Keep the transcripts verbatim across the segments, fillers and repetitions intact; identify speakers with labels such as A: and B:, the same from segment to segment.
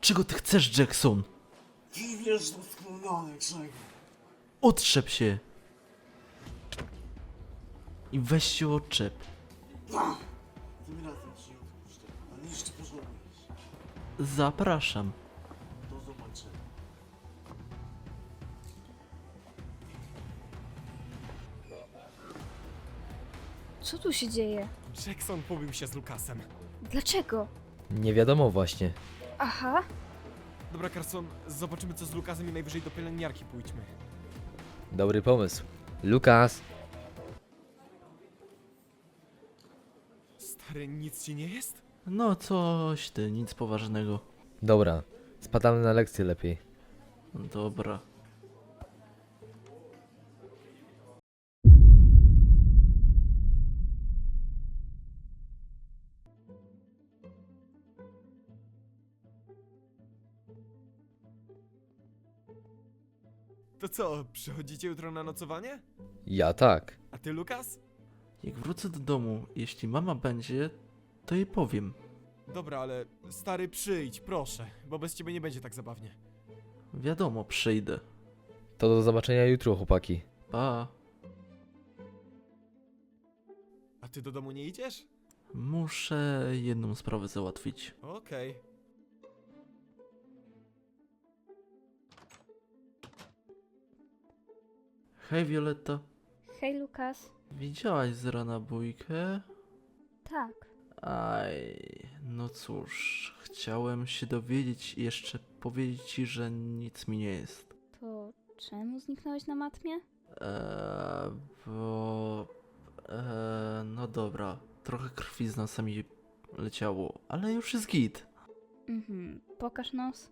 A: Czego ty chcesz, Jackson?
B: Ty wiesz doskonale czego.
A: Otrzep się! I weź się odczep.
B: Tym razem ci odpuszczę, ale jeszcze pożałujesz.
A: Zapraszam.
B: Do zobaczenia.
C: Co tu się dzieje?
D: Jackson pobił się z Lukasem.
C: Dlaczego?
E: Nie wiadomo właśnie.
C: Aha,
D: Dobra, Carson, zobaczymy co z Lukasem i najwyżej do pielęgniarki pójdźmy.
E: Dobry pomysł. Lukas!
D: Stary, nic ci nie jest?
A: No coś ty, nic poważnego.
E: Dobra, spadamy na lekcję lepiej.
A: Dobra.
D: To co, przychodzicie jutro na nocowanie?
E: Ja tak.
D: A ty, Lukas?
A: Jak wrócę do domu, jeśli mama będzie, to jej powiem.
D: Dobra, ale stary, przyjdź, proszę, bo bez ciebie nie będzie tak zabawnie.
A: Wiadomo, przyjdę.
E: To do zobaczenia jutro, chłopaki.
A: Pa.
D: A ty do domu nie idziesz?
A: Muszę jedną sprawę załatwić.
D: Okej.
A: Hej, Violetta.
C: hej Lukas.
A: Widziałaś z rana bójkę?
C: Tak.
A: Aj, no cóż, chciałem się dowiedzieć i jeszcze powiedzieć ci, że nic mi nie jest.
C: To czemu zniknąłeś na matmie?
A: Eee, bo... Eee, no dobra, trochę krwi z nosa mi leciało, ale już jest git.
C: Mhm, pokaż nos.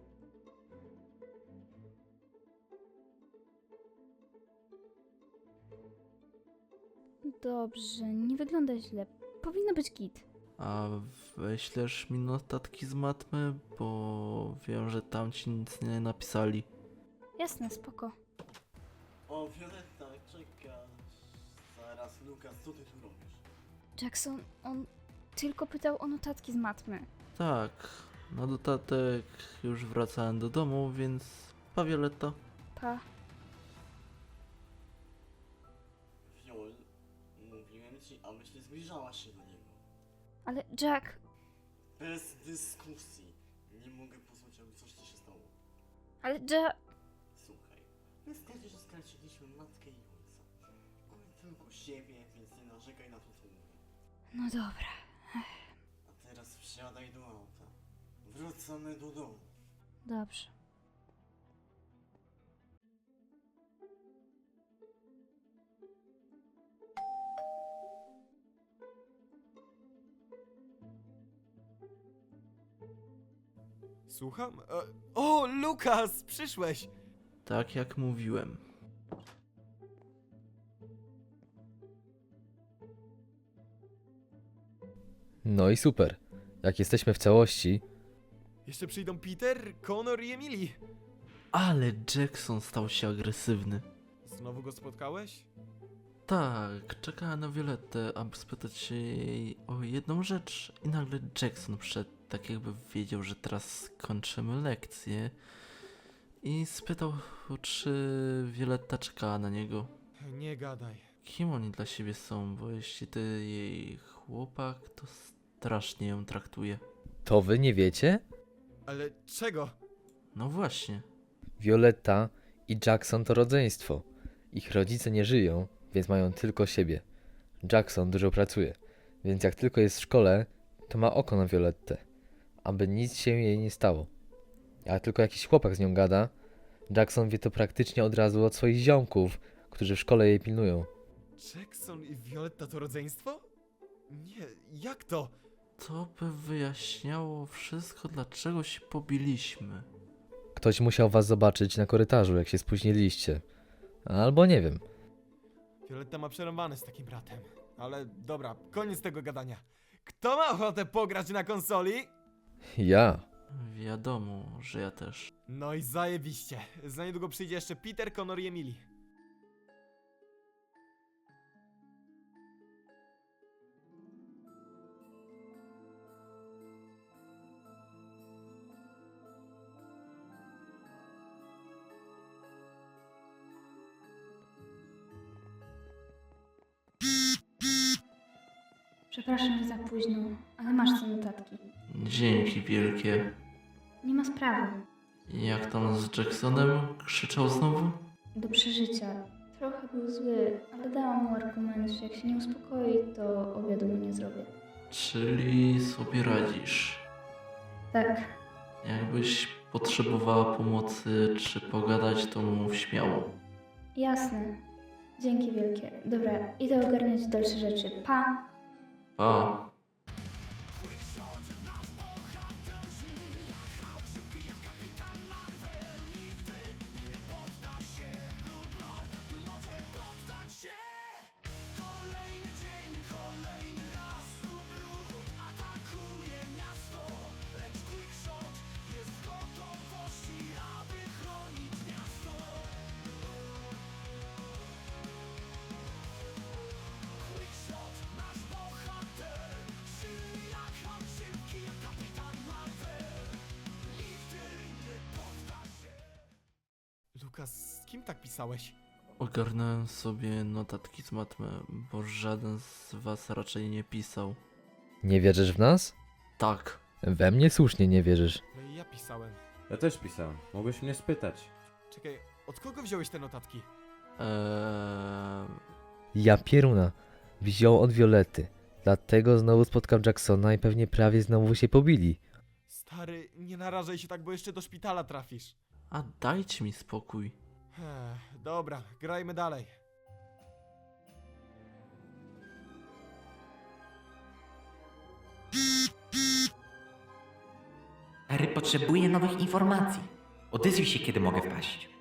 C: Dobrze, nie wygląda źle. Powinno być git.
A: A wyślesz mi notatki z matmy, bo wiem, że tam ci nic nie napisali.
C: Jasne, spoko.
B: O, Violetta, czekasz. Zaraz, Lukas, co ty tu robisz?
C: Jackson, on tylko pytał o notatki z matmy.
A: Tak, na dodatek już wracałem do domu, więc pa Violetta.
C: Pa.
B: Viol, mówiłem ci, abyś nie zbliżała się do niego.
C: Ale Jack,
B: Bez dyskusji. Nie mogę pozwolić, aby coś ci się stało.
C: ale Jack...
B: Słuchaj, wystarczy, że straciliśmy matkę i ojca. Mamy tylko siebie, więc nie narzekaj na to, co mówię.
C: No dobra.
B: A teraz wsiadaj do auta. Wracamy do domu.
C: Dobrze.
D: Słucham? E, o, Lukas, przyszłeś!
A: Tak jak mówiłem.
E: No i super. Jak jesteśmy w całości,
D: Jeszcze przyjdą Peter, Connor i Emily.
A: Ale Jackson stał się agresywny.
D: Znowu go spotkałeś?
A: Tak, czekałem na Violettę, aby spytać się jej o jedną rzecz i nagle Jackson wszedł, tak jakby wiedział, że teraz kończymy lekcję i spytał, czy Violetta czekała na niego.
D: Nie gadaj.
A: Kim oni dla siebie są, bo jeśli ty jej chłopak, to strasznie ją traktuje.
E: to wy nie wiecie?
D: Ale czego?
A: No właśnie.
E: Violetta i Jackson to rodzeństwo. Ich rodzice nie żyją, więc mają tylko siebie. Jackson dużo pracuje, więc jak tylko jest w szkole, to ma oko na Violettę, aby nic się jej nie stało. Jak tylko jakiś chłopak z nią gada, Jackson wie to praktycznie od razu od swoich ziomków, którzy w szkole jej pilnują.
D: Jackson i Violetta to rodzeństwo? Nie, jak to?
A: To by wyjaśniało wszystko, dlaczego się pobiliśmy.
E: Ktoś musiał was zobaczyć na korytarzu, jak się spóźniliście. Albo nie wiem.
D: Violetta ma przerąbane z takim bratem. Ale dobra, koniec tego gadania. Kto ma ochotę pograć na konsoli?
E: Ja.
A: Wiadomo, że ja też.
D: No i zajebiście. Za niedługo przyjdzie jeszcze Peter, Connor i Emily.
C: Przepraszam, że za późno, ale masz te notatki.
A: Dzięki wielkie.
C: Nie ma sprawy.
A: Jak tam z Jacksonem? Krzyczał znowu?
C: Do przeżycia. Trochę był zły, ale dałam mu argument, że jak się nie uspokoi, to obiadu mu nie zrobię.
A: Czyli sobie radzisz.
C: Tak,
A: Jakbyś potrzebowała pomocy czy pogadać, to mów śmiało.
C: jasne. Dzięki wielkie. Dobra, idę ogarniać dalsze rzeczy. Pa!
A: Pa.
D: Lukas, z kim tak pisałeś?
A: Ogarnąłem sobie notatki z matmy, bo żaden z was raczej nie pisał.
E: Nie wierzysz w nas?
A: Tak.
E: We mnie słusznie nie wierzysz.
D: No i ja pisałem.
F: Ja też pisałem. Mogłeś mnie spytać.
D: Czekaj, od kogo wziąłeś te notatki?
A: Eee,
E: Ja pieruna. Wziął od Violetty. Dlatego znowu spotkał Jacksona i pewnie prawie znowu się pobili.
D: Stary, nie narażaj się tak, bo jeszcze do szpitala trafisz.
A: a dajcie mi spokój.
D: Ech, dobra, grajmy dalej.
G: Harry potrzebuje nowych informacji. Odezwij się, kiedy mogę wpaść.